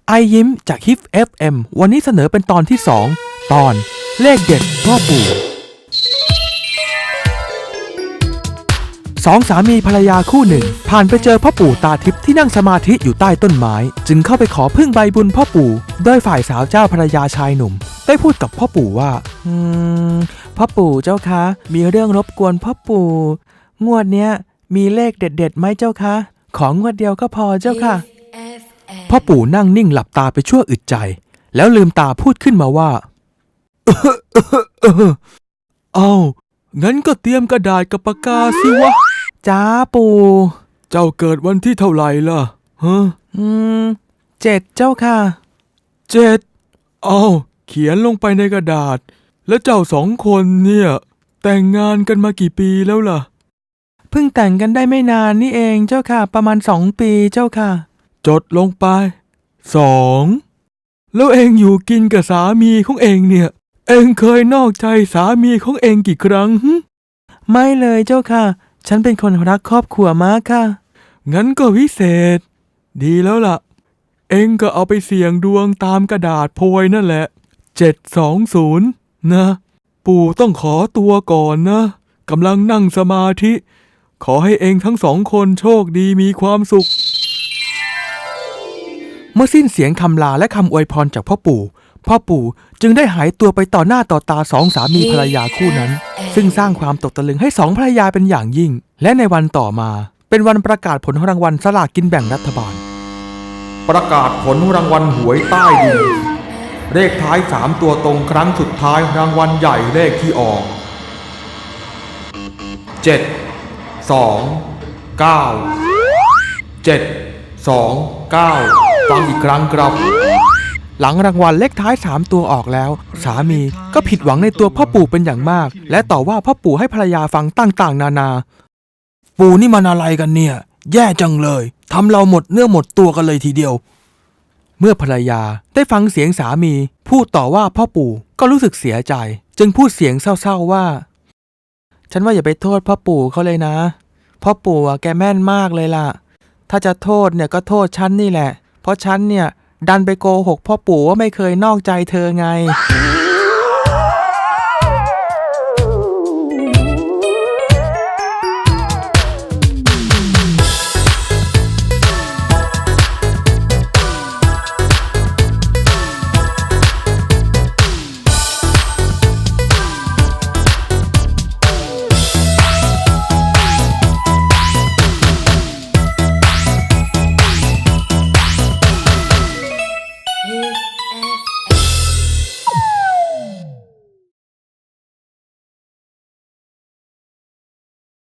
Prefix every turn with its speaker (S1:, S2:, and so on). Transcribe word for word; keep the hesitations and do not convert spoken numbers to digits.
S1: ไอยิ้มจากฮิป เอฟ เอ็ม วันนี้เสนอเป็นตอนที่สองตอนเลขเด็ดพ่อปู่สองสามีภรรยาคู่หนึ่งผ่านไปเจอพ่อปู่ตาทิพย์ที่นั่งสมาธิอยู่ใต้ต้นไม้จึงเข้าไปขอพึ่งใบบุญพ่อปู่โดยฝ่ายสาวเจ้าภรรยาชายหนุ่มได้พูดกับพ่อปู่ว่าอืมพ่อปู่เจ้าคะมีเรื่องรบกวนพ่อปู่งวดเนี้ยมีเลขเด็ดๆไหมเจ้าคะของงวดเดียวก็พอเจ้าค่ะพ่อปู่นั่งนิ่งหลับตาไปชั่วอึดใจแล้วลืมตาพูดขึ้นมาว่า เอางั้นก็เตรียมกระดาษกับปากกาสิวะจ้าปู่เจ้าเกิดวันที่เท่าไหร่ล่ะฮะอืมเจ็ดเจ้าค่ะเจ็ดเอาเขียนลงไปในกระดาษแล้วเจ้าสองคนเนี่ยแต่งงานกันมากี่ปีแล้วล่ะเพิ่งแต่งกันได้ไม่นานนี่เองเจ้าค่ะประมาณสองปีเจ้าค่ะจดลงไปสองแล้วเองอยู่กินกับสามีของเองเนี่ยเองเคยนอกใจสามีของเองกี่ครั้งไม่เลยเจ้าค่ะฉันเป็นคนรักครอบครัวมากค่ะงั้นก็วิเศษดีแล้วล่ะเองก็เอาไปเสี่ยงดวงตามกระดาษโพยนั่นแหละเจ็ดสองศูนย์นะปู่ต้องขอตัวก่อนนะกำลังนั่งสมาธิขอให้เองทั้งสองคนโชคดีมีความสุขเมื่อสิ้นเสียงคำลาและคำอวยพรจากพ่อปู่พ่อปู่จึงได้หายตัวไปต่อหน้าต่อตาสองสามีภรรยาคู่นั้นซึ่งสร้างความตกตะลึงให้สองภรรยาเป็นอย่างยิ่งและในวันต่อมาเป็นวันประกาศผลรางวัลสลากกินแบ่งรัฐบาล
S2: ประกาศผลรางวัลหวยใต้ดินเลขท้ายสามตัวตรงครั้งสุดท้ายรางวัลใหญ่เลขที่ออกเจ็ดสองเก้าเจ็ดสองเก้าฟังอีกครั้งครับ
S1: หลังรางวัลเลขท้ายสามตัวออกแล้วสามีก็ผิดหวังในตัวพ่อปู่เป็นอย่างมากและต่อว่าพ่อปู่ให้ภรรยาฟังต่างๆนานาปู่นี่มันอะไรกันเนี่ยแย่จังเลยทำเราหมดเนื้อหมดตัวกันเลยทีเดียวเมื่อภรรยาได้ฟังเสียงสามีพูดต่อว่าพ่อปู่ก็รู้สึกเสียใจจึงพูดเสียงเศร้าๆว่าฉันว่าอย่าไปโทษพ่อปู่เขาเลยนะพ่อปู่แกแม่นมากเลยล่ะถ้าจะโทษเนี่ยก็โทษฉันนี่แหละเพราะฉันเนี่ยดันไปโกหกพ่อปู่ว่าไม่เคยนอกใจเธอไง